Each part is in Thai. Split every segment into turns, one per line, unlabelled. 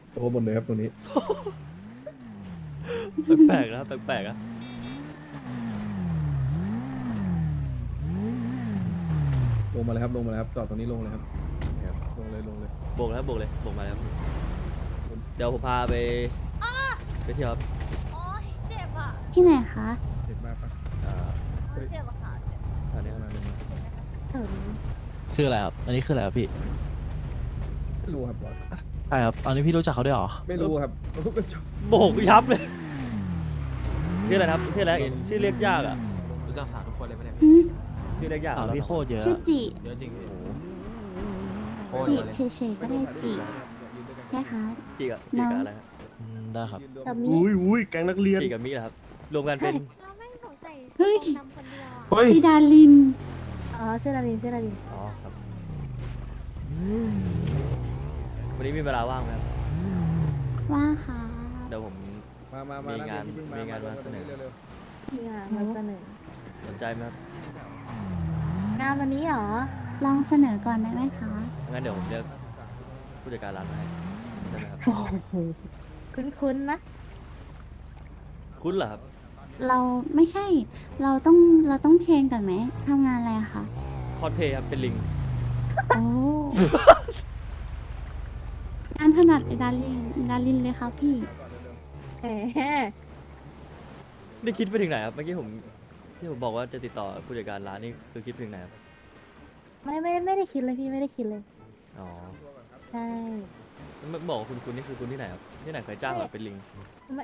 โอ้หมดเลยครับตรงนี้
แปลกๆนะแปลกๆนะ
ลงมาเลยครับลงมาเลยครับจอดตรงนี้ลงเลยครับลงเลยลงเลย
โบกแล้วโบกเลยโบกมาแล้วเดี๋ยวผมพาไปเที่ยวครับ
โอ๊ยเจ็บอ่ะ
ที่ไหนคะ
เจ็บมากปะ
เจ็บอะค่ะเจ็บ
แถวนี้
มาเลย
คืออะไรครับ อันนี้คืออะไรครับพี่
ไม่รู้ครับบอส
ใช่ครับ อันนี้พี่รู้จักเขาด้วยเหรอ
ไม่รู้ครับก็จบ
โบกยับเลยชื่ออะไรครับชื่ออะไรชื่อเรียกยากอ่ะ
รู้จักสาวทุกคนเลยไหมเนี่ย
อืม
ชื่อเรียกยาก
สาวพี่โคตรเยอะ
ชื่อจิ
เยอะจริงพี่โคตร
จิ
เยอะเลย
เฉยๆก็ได้จิใช่ครับ
จีกับอะไรครับ
ได้ครับ
กับมิ
อุ้ยแก๊งนักเรียน
จีกับมิเหรอครับรวมกันเป็น
แล้วแม่งหนูใส่
เฮ้ย
ดำคนเดียวอ่ะ
เฮ้ย
พี่ดาริน
อ๋อชื่อดารินชื่อดาริน
อ๋อครับวันนี้มีเวลาว่างไหมครับ
ว่าค่ะ
เดี๋ยวผม
มา
มีงานมีงานมาเสนอ
เร็ว
พี่งานมาเสนอ
สนใจไหมครับ
งานวันนี้เหรอ
ลองเสนอก่อนได้ไหมคะ
งั้นเดี๋ยวผมเรียกผู้จัดการร้านมาให้ได้ไหมครับ
โอ้โหคุ้นๆนะ
คุ้นเหรอครับ
เราไม่ใช่ เราต้องเทรนก่อนไหมทำงานอะไรอะคะ
คอนเพย์ครับเป็นลิง
โอ้งานถนัดไอ้ดารินเลยครับพี่
แหม
นี่คิดไปถึงไหนครับเมื่อกี้ผมที่ผมบอกว่าจะติดต่อผู้จัดการร้านนี่คือคิดไปถึงไหนครับ
ไม่ได้คิดเลยพี่ไม่ได้คิดเลย
อ๋อ
ใช่
เมื่อบอกว่าคุณนี่คือคุณที่ไหนครับที่ไหนเคยจ้างแบบเป็นลิง
ไม่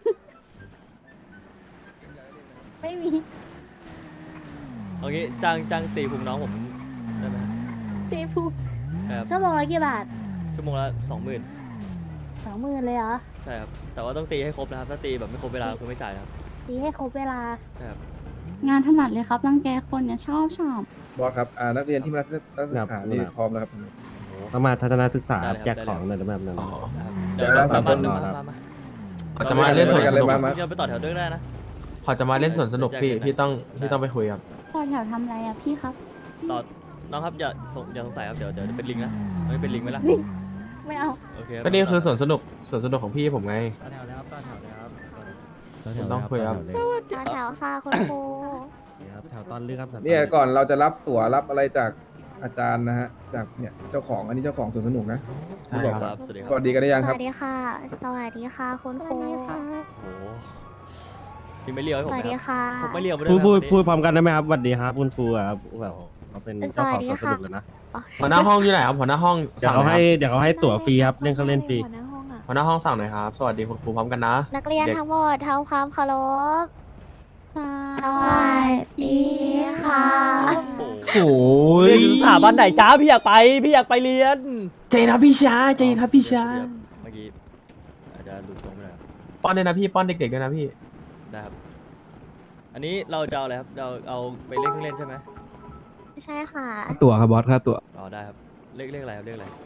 ไม่มี
เอางี้จ้างตีพุงน้องผมได้ไหมครับ
พี่พูด
ครับ
ชั่วโมงละกี่บาท
ชั่วโมงละ20,000
20,000เลยเหรอ
ใช่ครับแต่ว่าต้องตีให้ครบนะครับถ้าตีแบบไม่ครบเวลาคือไม่จ่ายนะครับ
ตีให้ครบเวลา
ใช่ครับ
งานถนัดเลยครับรังแกคนเนี่ยชอบ
บอสครับนักเรียนที่มารับนักศึกษานี่พร้อมแล้วครับ
ต้องมาทัศนศึกษาแจกของหน่อยแบบนั้น
อ๋อ
นะครับ
เดี๋
เดี๋
ย
ยว ว
เรา
มา
สามคน
มา
พอจะมาเล่นสวนสนุก
มา
จะไปต่อแถวด้วยได้นะ
พอจะมาเล่นสวนสนุกพี่ต้องไปคุยครับ
ต่อแถวทำอะไรอะพี่ครับ
ต่อน้องครับอย่าสงสัยครับเดี๋ยวจะเป็นลิงนะไม่เป็นลิงไหมล่ะ
ไม่เอา
โอเครับ
ก็นี่คือสวนสนุกของพี่ผมไง
ต่อแถวแล้วต่อแถวแล้ว
ต้องคุยครับ
ต่อแถวค่ะคุณครู
แถวตอนเลือกครับ
เนี่ยก่อนเราจะรับตั๋วรับอะไรจากอาจารย์นะฮะจากเนี่ยเจ้าของอันนี้เจ้าของสวนสนุกนะ
ใช่
ที่บอก
ค
ค
รั
รับ บสวัสดีค
ส
รับ
วัสดีกันได้ยัง
ส
ครับ
วัสดีค่ะ สวัสดีค่ะคุณครู
โอ้โหมีไม่เลี้ยวให้
ส
ผมไหม
วัสดี
ครับ
ค่ะ
ผมไม่เลี้ยวไปด้
พู
ว
ด
ย
พูด
นะ
พูดพร้อมกันได้ไหมครับสวัสดีครับคุณครูครับแบบเขาเป็นเจ้าของสวนสนุกเลยนะ
หัวหน้าห้องอยู่ไหนครับหัวหน้าห้อง
เดี๋ยว
สั่ง
เขา
หน่อย
ให้
ครับ
เดี๋ยวเขาให้ตั๋วฟรีครับเล่นเครื่องเล่นฟรี
หัวหน้าห้องอ่ะ
หัวหน้าห้องสั่งหน่อยครับสวัสดีคุณครูพร้อมกันนะ
นักเรียน
เด็ก
ทั้งหมดทำความเคารพ
ส
สวัสดีค่ะ
โอ้โห
โอ้ย
เรียนอยู่สถาบันไหนจ้าพี่อยากไปเรียน
เจนครับพี่ชายเจนครับพี่ชาย
เมื่อกี้อาจจะหลุดทรงไปหน่อยครับ
ป้อนด้วยนะพี่ป้อนเด็กๆด้วยนะพี่
ได้ครับอันนี้เราจะเอาอะไรครับเราเอาไปเล่นเครื่องเล่นใช่ไหม
ใช่ค่ะ
ตั๋วครับบอสค่าตั๋ว
อ๋อได้ครับเลขอะไรครับเลขอะไร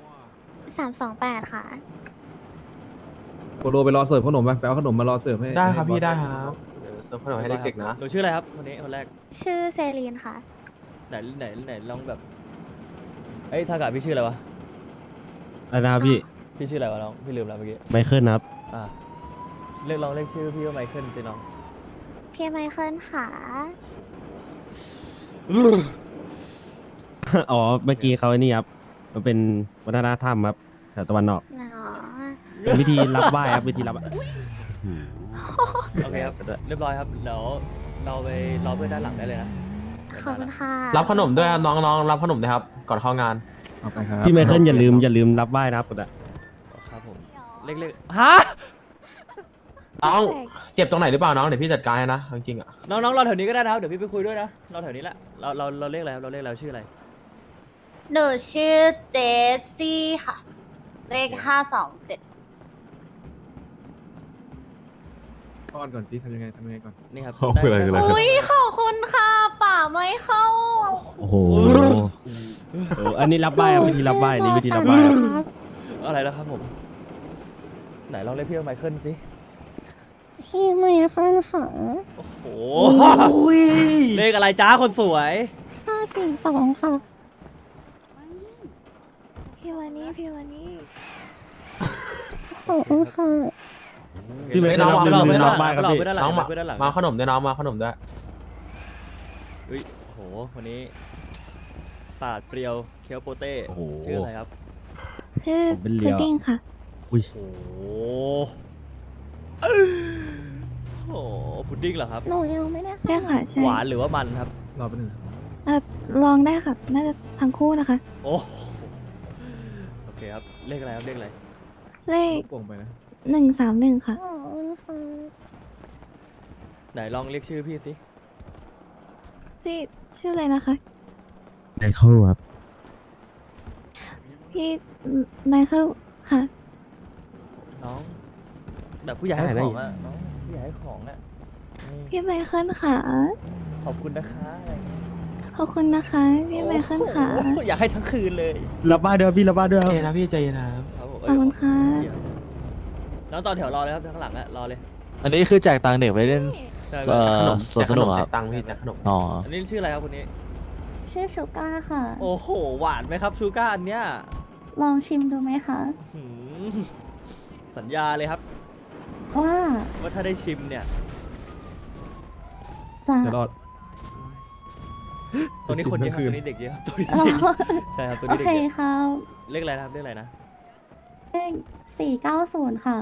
328 ค่ะ
โปโลไปรอเสิร์ฟขนมไปเอาขนมมารอเสิร์ฟให้
ได้ครับ
ให้
พี่
อส
ได้ครับเดี๋ยวเสิร์ฟขนมให้เด็กๆนะ
หนูชื่ออะไรครับคนนี้คนแรก
ชื่อเซรีนค่ะ
ไหนลองแบบเอ้ยทากาพี่ชื่ออะไรวะ
อะไรนะครับพี่
พี่ชื่ออะไรวะน้องพี่ลืมแล้วเมื่อกี้
ไมเคิลครับ
อ่าเรียกลองเรียกชื่อพี่ว่าไมเคิลสิน้อง
พี่ไมเคิลค่ะ
อ๋อเมื่อกี้เขาไอ้นี่ครับมันเป็นวัฒนธรรมครับแถวตะวันออก
อ๋อ
เป็นวิธีรับไหว้ครับวิธีรับ
โอเคครับเรียบร้อยครับเดี๋ยวเราไปรอเพื่อนด้านหลังได้เลยนะ
ขอบคุณค่ะ
รับขนมด้วยครับน้องๆรับขนมด้วยครับก่อนเข้างาน
เอาไปครับ
พี่ไมเคิลอย่าลืมรับไหว้นะครับ
ครับผมเล็กๆฮะ
น้องเจ็บตรงไหนหรือเปล่าน้องเดี๋ยวพี่จัดการให้นะจริงๆอ่ะ
น้องๆรอแถวนี้ก็ได้นะครับเดี๋ยวพี่ไปคุยด้วยนะรอแถวนี้แหละเราเรียกอะไรครับเราเรียกอะไรชื่ออะไร
หนูชื่อเจสซี่ค่ะ เลข527
ป้อนก่อนสิทำยังไงก่อน
นี่ครับ
เอาไปเลย
ด้
เลย
อุ้ยขอบคุณค่ะป่าไม่เข้า
โอ้โหอันนี้รับไหว้ครับวิธีรับไหว้นี่วิธีรับไหว้ครับ
อะไรแล้วครับผมไหนลองเรียกพี่ว่าไมเคิลสิ
พี่ไมเคิลค่ะ
โอ้โหเลขอะไรจ้าคนสวย
542ค่ะ
พี่วันนี้
ขอบคุณค่ะ
พี่เบส
น้อง
ลืม
น้อง
ลืม
น้
ล็
อ
อง กบ้านครับพี่
เพื่อนด้านหลั
น้
ง
องมา
เพื่อนด้านหลัง
มาขนมด้วยน้องมาขนมด้วย
เฮ้ยโหวันนี้ปาดเปรียวเคียวโปเต้
โอ้โห
ชื่ออะไรครับ
ชื่อ
ผมเป็นเลี
พุ
ยว
ดดิ้งค่ะ
อุ้ย
โอ้โหพุดดิ้งเหรอครับ
หนูยังไม่ได้
ได้ค่ะ ใช่
หวานหรือว่ามันครับ
รอไปหนึ่ง
ลองได้ค่ะ น่าจะทั้งคู่นะคะ
โอ้โอเคครับเลขอะไรครับเลขอะไร
เลข
โป่งไปนะ
131ค่ะ
ขอบคุณค่ะ
ไหนลองเรียกชื่อพี่สิ
พี่ชื่ออะไรนะคะ
ไมเคิลครับ
พี่ไมเคิลค่ะ
น้องแบบผู้ใหญ่ให้
ได้
ของอะน้องผู้ใหญ่ให้ของอะนี่
พี่ไมเคิลค่ะ
ขอบคุณนะคะอะไรอย่างเงี้ย
ขอบคุณนะคะ พี่ไมเคิลค่ะ
โอ้โหอยากให้ทั้งคืนเลย
รับบ้านด้วยพี่รับบ้านด้วยครับ
เย็นนะพี่ใจเย็นนะครับ
ครับผม
ขอบคุณค่ะ
น้องต่อแถวรอเลยครับข้างหลังอะรอเลย
อันนี้คือแจกตังค์เด็กไปเล่น
ใช่
สวนสนุกเหรอค
แจ
รับ
ตังค์พี่แจกขนม
อ๋อ
อันนี้ชื่ออะไรครับคนนี้
ชื่อชูก้าค่ะ
โอ้โหหวานไหมครับชูก้าอันเนี้ย
ลองชิมดูไหมคะ
หืมสัญญาเลยครับ
ว่า
ว่าถ้าได้ชิมเนี่ย
จะ
เดี๋ยวรอด
ตัวนี้คนเยอะครับ
ชิมทั้งคืน
ตัวนี้เด็กเยอะครับตัวนี้เด็กใช่ครับตัว
โอ
นี้เด็
เค
กเยอะ
ครับ
เลขอะไรนะครับเลขอะไรนะ
เลข490 ค่ะ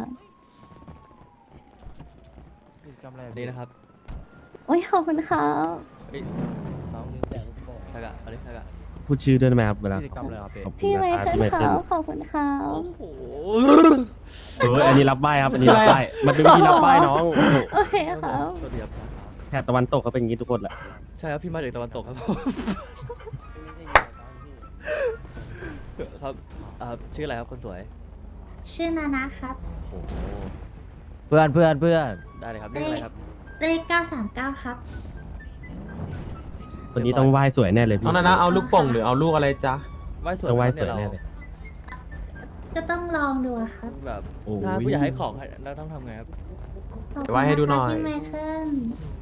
นี่นะครับ
โอ้ยขอบคุณครับ
เฮ้ยน้องทากะเอาดิทากะ
พูดชื่อด้วยได้ไหมครับเวลา
กิจกรรมอะไรครับ
ขอบคุณ
พี่ไม
นะครับ
เคิล
พี่ไม
ค
เคิ
รั
ล
บขอบคุณครับ
โอ้โห
เอออันนี้รับบ้านครับอันนี้รับบ้านมันเป็นวิธีรับบ้านน้อง
โอเคครับ
สวัสดีครับ
แถบตะวันตกเขาเป็นอย่างนี้ทุกคนแหละ
ใช่ครับพี่มาจากตะวันตกครับ ครับชื่ออะไรครับคนสวย
ชื่อนานะครับ
โอ้โห
เพื่อนเพื่อนเพื่อน
ได้เลยครับเลขอะไรครับ
เลข939 ครับ
คนนี้ต้องไหว้สวยแน่เลยพี่
น้องนานะเอาลูกโป่งหรือเอาลูกอะไรจ๊ะ
ไหว้สวย
ต้องไหว้
มาก
สวย
เนี่
แน่
ย
เลย
ก็ต้องลองดูอะครับ
แบบ
โอ้ย
ถ้าผู้ใหญ่ให้ของเราต้องทำไงครับ
ขอบ
เดี๋
คุ
ยวไหว้ให้ดูหน่อย
พี่ไมเคิล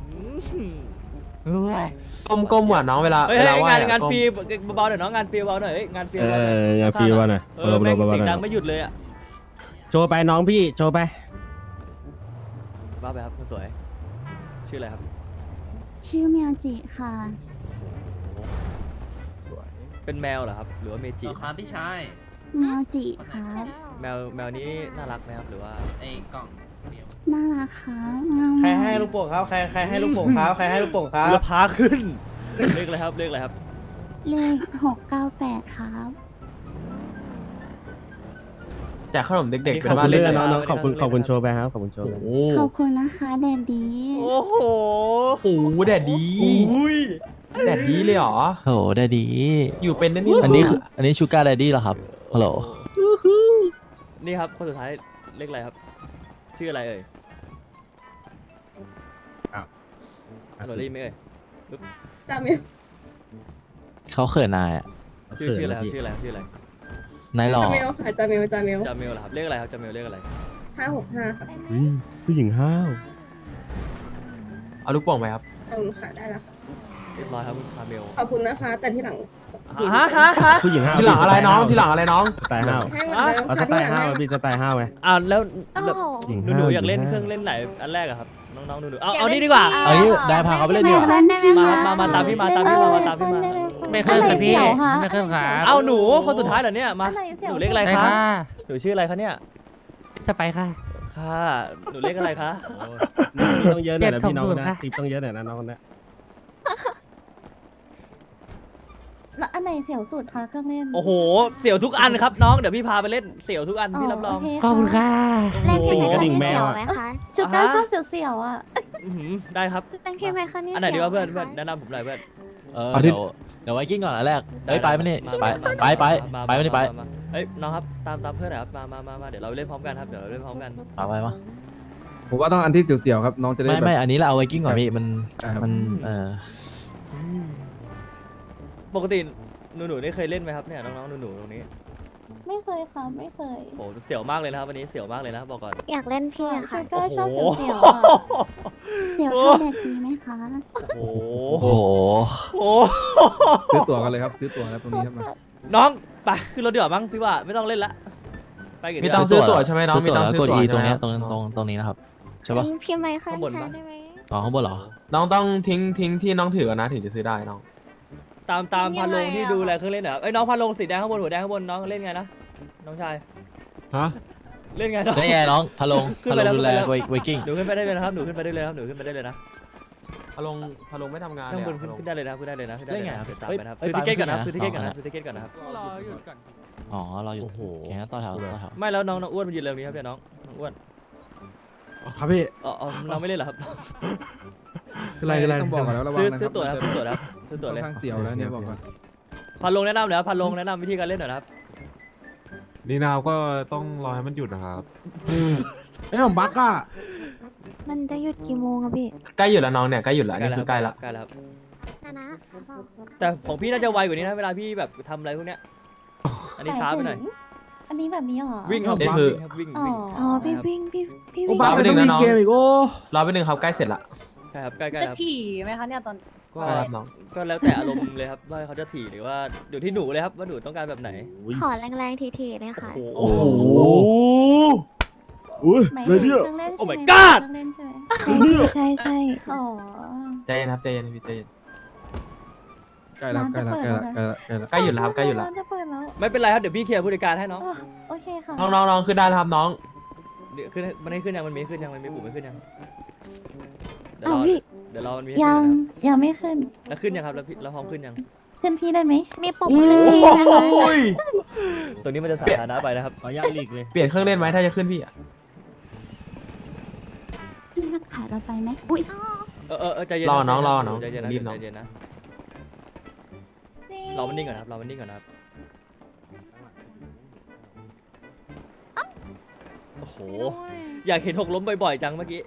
ก้มๆหว่ะน้องเวลา
เฮ้ย
เวลาไหว้
งาน
อะ
ฟรี
ก้ม
เบาๆหน่อยน้องงานฟรีเบาๆหน่อยเฮ้ยงานฟรี
เอ
เบาๆหน่อย
องานฟรีว่าหน่อย
เออแม่ง
เบาๆ
เสียง
ๆ
ดังไม่หยุดเลยอะ
โชว์ไปน้องพี่โชว์ไป
บ้าไปครับคนสวย ชื่ออะไรครับ
ชื่อเมียจิค่ะ
เป็นแมวเหรอครับ หรือว่าเมจิ
ครับพี่ชาย
เมียจิครับ
แมวนี้น่ารักไหมครับหรือว่า
ไอ้กล่องเดียว
น่ารักค่ะงาม
ใคร
มาก
ให้ลูกโป่งครับ ใครให้ลูกโป่งครับ ใครให้ลูกโป่งครับ
เรือพาขึ้น เลขอะไรครับเลขอะไรครับ
เลข698ครับ
แจกขนมเด็กๆ
ข
เป็
อบ
น
คุ
ว่า
ณ
เล่น
ด้วย
อะไร
นะ
น้องๆขอบคุณขอบคุณโชว์ไปครับขอบคุณโชว์ไป
โอ้
ขอบคุณนะคะแดดดี
โอ้โห
โหแดดดีแดดดีเลยเหรอ
โหได้ดี
อยู่เป็นนะนี่
อันนี้คืออันนี้ชูการ์ไดดี้เหรอครับฮัลโหล
นี่ครับคนสุดท้ายเลขอะไรครับ ชื่ออะไรเอ่ยฮัลโหลได้ยินไหมเอ่ย
จำอยู่
เขาเขินนายอ่ะ
ชื่ออะไรครับชื่ออะไรครับชื่ออะไร
นายหล่อ
ค่ะจามิว
จาเมลเหรอครับเลขอะไรครับจาเมลเลขอะไร
565ค่ะ
อุ๊ยผู้หญิงห้าว
เอาลูกโป่งไปครับ
ขอบคุณค่ะได้แล้วค่ะ
เรียบร้อยครับคุณจาเมล
ขอบคุณนะคะ แต่ที่หลัง
ฮะ
ผู้หญิงห้าว
ทีหลังอะไรน้องทีหลังอะไรน้อง
สไตล์ห้าว
ให้เหมือนเดิม
เอาส
ค่ะ
ไต
ที่ห
ล์
ลัง
ห้าว
ให้
พี่สไตล์ห้าวไหม
แล้ว
โอ้
แบบ
โห
หญิง
ห
ห้าว
นูๆอยากเล่น
หญิ
เค
ห้าว
รื่องเล่นไหนอันแรกอะครับน้องๆหนูๆเอานี่ดีกว่า
เอางี้ได้พาเขาไปเล่นดีกว่า
เล่นได้ไหม
มา
คะ
มาตามพี่มาตามพี่มาตามพี่มา
ไม่เคลื่อนครับพี่ ไม่เคลื่อนครับ
เอาหนูคนสุดท้ายเหรอเนี่ยมา
อะไรเสี่ยว
หนูเลขอะไร
ไป
คะ
ค่ะ
หนูชื่ออะไรคะเนี่ย
สไปค่ะ
ค่ะหนูเลขอะไรคะ
ต้องเยอะหน่อยนะพี่น้อง
720
นะ
ค่ะ
ทิปต้องเยอะหน่อยนะน้องคนนะ
แล้วอันไหนเสี่ยวสุดคะเครื่องเล่น
โอ้โหเสี่ยวทุกอันครับน้องเดี๋ยวพี่พาไปเล่นเสี่ยวทุกอันพี่รับรอง
โเค
ขอบคุณค่ะ
เล่นพี่ไมเคิลนี่เสียวไหมคะ
ชูก้าชอบเสี่ยวๆอ่ะ
อื้อหือได้ครับ
เล่นพี่ไมเคิลนี่
อันไหน
เสี
ดี
ยว
วะเพื่อน
ไหม
เพื่อน
คะ
แนะนำผมหน่อยเพื่อน
เดี๋ยวไว้กิ้งก่อนอันแรกเอ้ยไปไหมนี่ไปไปไม่ได้ไป
มาเฮ้ยน้องครับตามเพื่อนหน่อยครับมาเดี๋ยวเราเล่นพร้อมกันครับเดี๋ยวเราเล่นพร้อมกัน
ไปมา
ผมว่าต้องอันที่เสียวๆครับน้องจะได้
ไม่
แบบ
ไม่อันนี้เราเอาไว้กิ้งก่อนพี่มัน
ครับ
มัน
ปกติหนูๆได้เคยเล่นไหมครับเนี่ยน้องๆหนูๆตรงนี้
ไม่เคยค่ะไม่เคย
โหเสี่ยวมากเลยนะครับวันนี้เสี่ยวมากเลยนะบอกก่อน
อยากเล่นพี่อะค่ะ
ชูก้าชอบ
โอ้โห
เสี่ยวๆอ่ะ
เดี๋ยวท่าแดดดีไหมคะ
โอ้
โอ้
โห
โห
โอ้
ซื้อตั๋วกันเลยครับซื้อตั๋วครับตรงนี้ครับมา
น้องไปขึ้นรถดีกว่ามั้งพี่ว่าไม่ต้องเล่นละไปไปกี่
มี
เดื
ตั
อง น
ค์ซื้อตั๋วใช่ไหมน้อง
ซื้อตั๋ว
มีตังค์
แล้วกด
ซื้อตั๋ว
E ตรงเนี้ย
ใช่ไหม
ตรงนี้นะครับใช่ปะ
พี่ไมเคิล
ข้างบน
แท
ปะ
นได้ไหม
อ๋อข้างบนเหรอ
น้องต้องทิ้งที่น้องถือกันนะถึงจะซื้อได้น้อง
ตามพันลงที่ดูแลเครื่องเล่นเหรอเอ้ยน้องพันลงสีแดงข้างบนหัวแดงข้างบนน้องเล่นไงนะน้องชาย
ฮะ
เล่นไงน้อง
ได้ไงน้องพะลง
ขึ้น
พะ
ไป
ลง
แล้ว
ดูแล
ขึ้นไปแล้ว
ไวกิ้ง
หนูขึ้นไปได้เลยนะครับหนูขึ้นไปได้เลยครับหนูขึ้นไปได้เลยนะ
พะลงไม่ทำงาน
ข้างบน
เลยอะ
ขึ้นได้เลยนะขึ้นได้เลยนะขึ้นได้
ได้
เลย
ไง
นะครับ เดี๋ยวตาม
เอ้ย
ไปนะครับ
เอ้ย
ซื้อทิเก็ตก่อนนะ
ไป
ซื้อทิเก็ตก่อน
อ๋อ
นะซื้อทิเก็ตก่อนนะครับ
รอหยุดก่อน
อ๋อเราอยู่โอเคงั้นต่อแถวต่อแถว
ไม่แล้วน้องอ้วนมันยืนเร็วนี้ครับเนี่ยน้องอ้วน
ครับพี่
อ๋อน้องไม่เล่นเหรอครับ
คืออะไรคืออะไร
ต้องบอกก่อนแล้วระวัง
ซื้อ
นะ
ซื้อตั๋วนะครับซื้อตั๋วนะครับซื้อตั๋ว
ค่อ
เลย
นข้างเสียวแล้วเนี่ยบอกก่อน
พันลงแนะนำเดี๋ยวพันลงแนะนำวิธีการเล่นหน่อยนะครับ
นี่นาวก็ต้องรอให้มันหยุดนะครับ
ไอ้ผมบักอ่ะ
มันจะหยุดกี่โมงอะพี่
ใกล้หยุดแล้วน้องเนี่ยใกล้หยุดแล้วนี่คือใกล้ละ
ใกล้แล้วครับ
นะ
แต่ของพี่น่าจะไวกว่านี้นะเวลาพี่แบบทำอะไรพวกเนี้ยอันนี้ช้าไปหน่อย
อันนี้แบบนี้เหรอ
วิ่งครับ
นี่
วิ่ง
คือ
ครับวิ่ง
อ๋อ
วิ่ง
อ๋อพี่วิ่งพี่
โอ้
วิ่ง
บัก
ไป
ไม่
หนึ่
ต้อง
ง
มี
นะน้อง
เกมอีกโอ้
รอไปหนึ่งครับใกล้เสร็จละ
ใช่ครับใกล้ๆ
จะ
ครับ
ถี่ไหมคะเนี่ยตอน
ก็
ใช่ครับน้อง
ก็แล้วแต่อารมณ์เลยครับว่าเขาจะถี่หรือว่าอยู่ที่หนูเลยครับว่าหนูต้องการแบบไหน
ขอแรงๆทีๆเลยค่ะ
โอ้โห
โอ้โหอุ้ย
หมาย
เลย
ถึง
เนี่ย
เครื่องเล่น
โอ้
ใช่ไหม
my god
เครื่องเล่นใช่ไหม
ใช่ใช่
อ๋อ
ใจเย็นครับใจเย็นพี่ใจเย็น
ใกล้แล้วใกล้แล้วใกล้แล้วใกล้แล้วใกล้แล้ว
ใกล้หยุดแล้วครับใกล้หยุดแล้ว
ร้านจะเปิดแล้ว
ไม่เป็นไรครับเดี๋ยวพี่เคลียร์ผู้จัดการให้น้อง
อ๋อโอเคค่ะ
น้องขึ้นได้แล้วครับน้อง
เดี๋ยวขึ้นมันให้ขึ้นยังมันมีขึ้นยังมันมีปุ่มไม่ขึ้นยังเดี๋ยว
อ้าว
รอ
พี่
เดี๋ยวรอมันมีให้
ยั
ขึ้น
ง
นะครับ
ยังไม่ขึ้น
แล้วขึ้นยังครับแล้วพี่เราพร้อมขึ้นยัง
ขึ้นพี่ได้ไหม
มีปุ่มขึ้นทีนะคะ
ตัวนี้มันจะสาธารณะไปนะครับ
ขออนุญาตหลีกเลย
เปลี่ยนเครื่องเล่นไหมถ้าจะขึ้นพี่อะ
พี่รักขายเราไปไหมอุ้ย
ใจเย็น
รอน้อง
ใจ
รอ
เย็
น้อง
ใจเย็นนะ
รีบน้อง
ใจเย็นนะรอมันนิ่งก่อนนะครับรอมันนิ่งก่อนนะครับโอ้โหอยากเห็นหกล้มบ่อยๆจังเมื่อกี้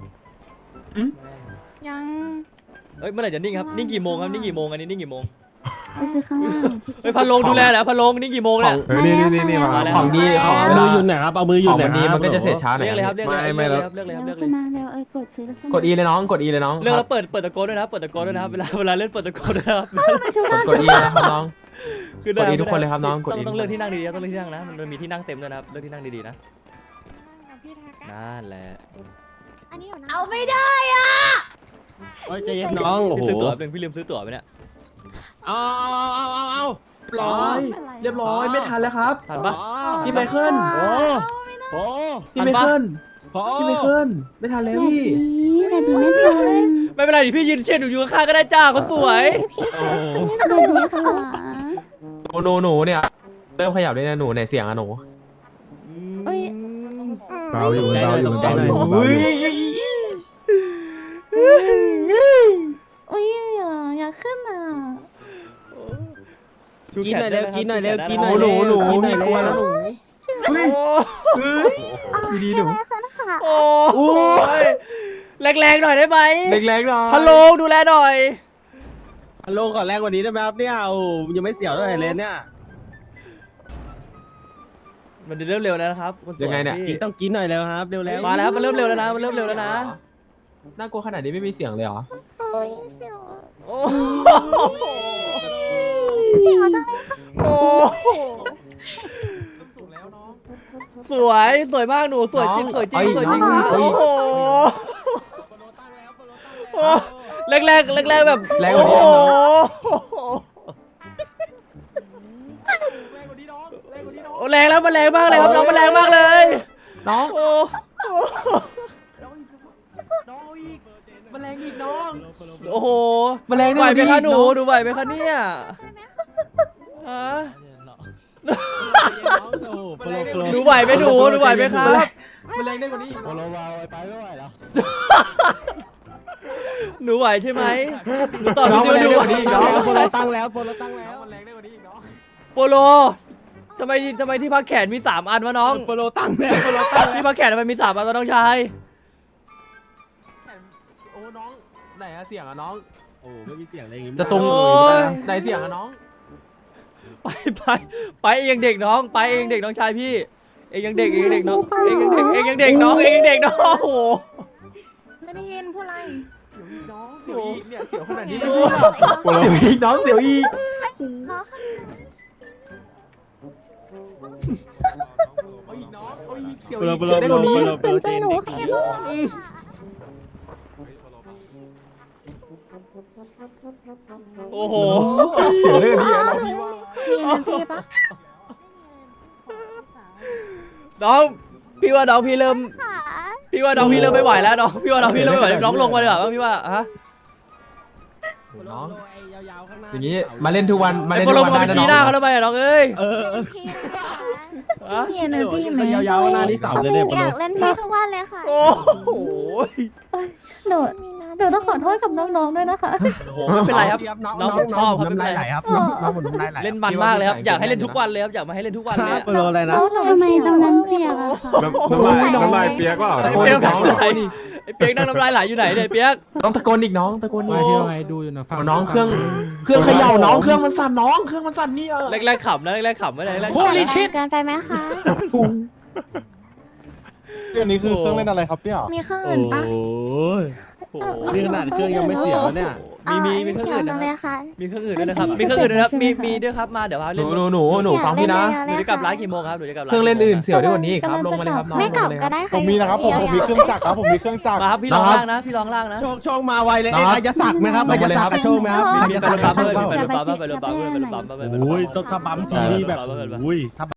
ยัง
เอ้ยเมื่อไหร่จะนิ่งครับนิ่งกี่โมงครับนิ่งกี่โมงอันนี้นิ่งกี่โมง
ไปซื้อข้างล่าง
เฮ้ยพันลงดูแลเหรอพันลงนิ่งกี่โมงเนี่ย
เฮ้ยนี่มา
มาแล้ว
ของดีของ
เอา
เว
มื
ลา
อหยุดหน่อยครับเอามือหยุ
ข
ด
อง
หน่อ
วั
ย
น
ครับ
นี้มันก็จะเสร็จช้าหน่อย
เรียกเลยครับเรียกเลย
ไม่หรอก
เรียกเลยครับเรียกเลย
ขึ้
ครับ
นมาเร็วกดซื้อแล้วขึ้น
กด E เลยน้องกด E เลยน้อง
เรียกแล้วเปิดตะโกนด้วยนะครับเปิดตะโกนด้วยนะครับเวลาเล่นเปิดตะโกนด้วยนะครับ
กด E นะครับน้อง
คือได้
กด E ทุกคนเลยครับน้องกด E
ต้องเลือกที่นั่งดีๆต้องเลือกที่นั่งนะมันมีที่นั่งเต็มด้วยนะครับเลือกที่นั่งดีๆนะนั่นแหละ
อันนี้เดี๋ยวนะ
เอาไม่ได้อ่ะ
โอ้ยใจเย็นน้องโอ้
พี่
โห
ซื้อตั๋วเป็นพี่ลืมซื้อตั๋วไปเนี่ย
เอา
เรียบร้อยเรียบร้อยไม่ทันแล้วครับ
ทันปะ
พี่ไมเคิล
โอ้โห
พี่ไมเคิล
พอ
พี่ไมเคิลไม่ทันแล้วพี่
แบบนี้ไม่ทัน
ไม่เป็นไรดิพี่ยืนเชียร์หนูอยู่ข้างๆก็ได้จ้าเขาสวย
แบบนี้ค่ะ
หนูเนี่ยเริ่มขยับได้นะหนูในเสียงอะหนู
เอ้ย
เบาอยู่เบาอยู่เบาอยู่
อุ้ย
อุ้ยอยากขึ้นอ่ะ
ชู
กิน
แข
หน่อยเร็ว
ได้ะครับ
กินหน่อยเร็ว
ชูแข
กิน
ได้ะ
หน่อยเร็ว
หนู
กินหน่อย
มีกลัวแล้วหนู
โอ้
ดีๆหนู
ได้ค่ะนะคะ
โอ้ยแรงๆหน่อยได้ไหม
แรงๆหน่อย
ฮัลโหลดูแลหน่อย
ฮัลโหลขอแรงกว่านี้ได้ไหมครับเนี่ยโอ้ยังไม่เสียวเท่าไหร่เลยเนี่ย
มันจะเริ่มเร็วแล้วนะครับคนสวย
ยังไงเนี่ย
พี่
ต้องกินหน่อยแล้วครับเร็วๆ
มาแล้วมันเริ่มเร็วแล้วนะมันเริ่มเร็วแล้วนะ
น่ากลัวขนาดนี้ไม่มีเสียงเลยเหรอ
โอ้
เสียวจังเลย
โอ้สวยมากหนูสวยจริงสวยจริงสวยจริงโอ้โหแรกแบบ
แรงกว่านี้
โอ้โหโอ้แรงแล้วมันแรงมากเลยครับน้องมันแรงมากเลย
น้อง
โอ้
มันแรงอีกน้อง
โอ้โห
มันแรง
ไหวไหมคะหนู
น้อง
หนูไหวไหมคะเนี่ยฮะ หนูไหวไหมหนูไหวไหมครับ
มันแรงได้กว่านี้อีก
โปโลวาวไปไม่ไหวแล้ว
หนูไหวใช่ไหมหนูตอบ
น้อง
พี่
มัน
ซิ
แรง
ว่าหนู
ได้
ไหว
กว่านี้อีกน้อง
โปโลตั้งแล้วโปโลตั้งแล้ว
มันแรงได้กว่านี้อีกน้อง
โปโลทำไมที่พักแขนมี3อันวะน้อง
โปโลตั้งแล้วโปโลตั้งแล้ว
ที่พักแขนทำไมมี3อันวะน้องชาย
โอ้น้องไหนอะเสียงอะน้อง
โอ้ไม่มีเสียงอะไรอย่างงี้
จะตรง
โอ้ย
ไหนเสียงอะน้อง
ไปเองยังเด็กน้องไปเองเด็กน้องชายพี่เองยังเด็กน้องเองยังเด็กน้องเองยังเด็กน้องโอ้โห
ไม่ได้ยินพูดอะไร
เสียวอีกเนี่ยเสียวขนาดนี้ไม่รู้หรอกเสียวอีกน้องเสียวอีก
รอค่ะ
เปลือเปลือเปลือเปลือเปลือ
ใจหนูค่ะ
โอ้โห
เสียเรื่องนี้นะพี่ว่า
มีเอเนจีปะ
น้องพี่ว่าน้องพี่เริ่ม
ค่ะ
พี่ว่าน้องพี่เริ่มไม่ไหวแล้วน้องพี่ว่าน้องพี่เริ่มไม่ไหวน้องลงมาดีกว่าพี่ว่าฮะ
น้องอย่างนี้มาเล่นทุกวันมา
ไอ้
เล่น
พอ
ทุ
ล
ก
ง
วัน
มา
ได้นะ
ชี้หน้าเขาทำไมอะน้องเอ้ย
เป็นพี่นะคะ
ฮะ
มีเอเนจีไหม
ยาวๆหน้านี่สาวเลยเนี่ย
อยากเล่นพี่ทุกวันเลยค่ะ
โอ้โห
หนูต้องขอโทษกับน้องๆด้วยนะคะ
โอ้โหไม่เป็นไรครับน้องผมชอบครับไม่เป็นไร
ครับน้องผมน้ำลายไหล
เล่นมันมากเลยครับอยากให้เล่นทุกวันเลยครับอยากมาให้เล่นทุกวันเลยอะ
เปลืออะไรนะ
ทำไมตรงนั้นเปียกอะคะ
น้ำลายเปียกว่า
ไอ้เปียกนั่งน้ำลายไอ้เปียกนั่งน้ำลายไหลอยู่ไหนเนี่ยไอ้เปียก
ต้องตะโกนอีกน้องตะโกนอี
ไม่
ก
พี่ว่าไงดูอยู่นะฟัง
น้องเครื่องเขย่าน้องเครื่องมันสั่นน้องเครื่องมันสั่นเนี่ย
แรกๆขำนะแรกๆขำไม่ได้แรกๆ
โอ้
ขำ
ลิ
นะ
ชิตเกินไปไหมคะ
เรื่องนี้คือเครื่องเล่นอะไรครับเนี่ย
มีเครื่อง
โอ้
อื่นปะ
ย
โอ้โห
นี่ขนาดเครื่องยังไม่เสียแล้วเนี่ย
มีเครื่อง
เสียว
อื่น
จั
นะ
ง
ค
เล
รับ
ยค่ะ
มีเครื่องอื่นด้วยนะครับมีเครื่องอื่นด้วยนะครับมีด้วยครับมาเดี๋ยวพา
ห
เล่น
นูฟังพี่นะ
หนูจะกลับร้านกี่โมงครับหนูจะกลับร้าน
เครื่องเล่นอื่นเสียวได้กว่านี้อีกครับลงมาเลยครับน้อง
ไม่กลับ
ลงา
ก็
เลย
ได้
ครับ
ค่ะ
ผมมีนะครับผมมีเครื่องจักรครับผมมีเครื่องจักร
มาครับพี่ร้องล่างนะพี่ร้องล่างนะ
โชคมาไวเลยอายศักดิ์ไหมครับอายศักดิ์กับโชคไหมครับ
ไป
อาย
รถ
ศักดิ์
ปั๊
กับ
ม
โชค
ไปรถปั๊มไปรถปั๊มไปรถปั๊มไปรถปั๊ม
โอ้ยต้องถ้าบัมทีนี่แบบโอ้ยถ้า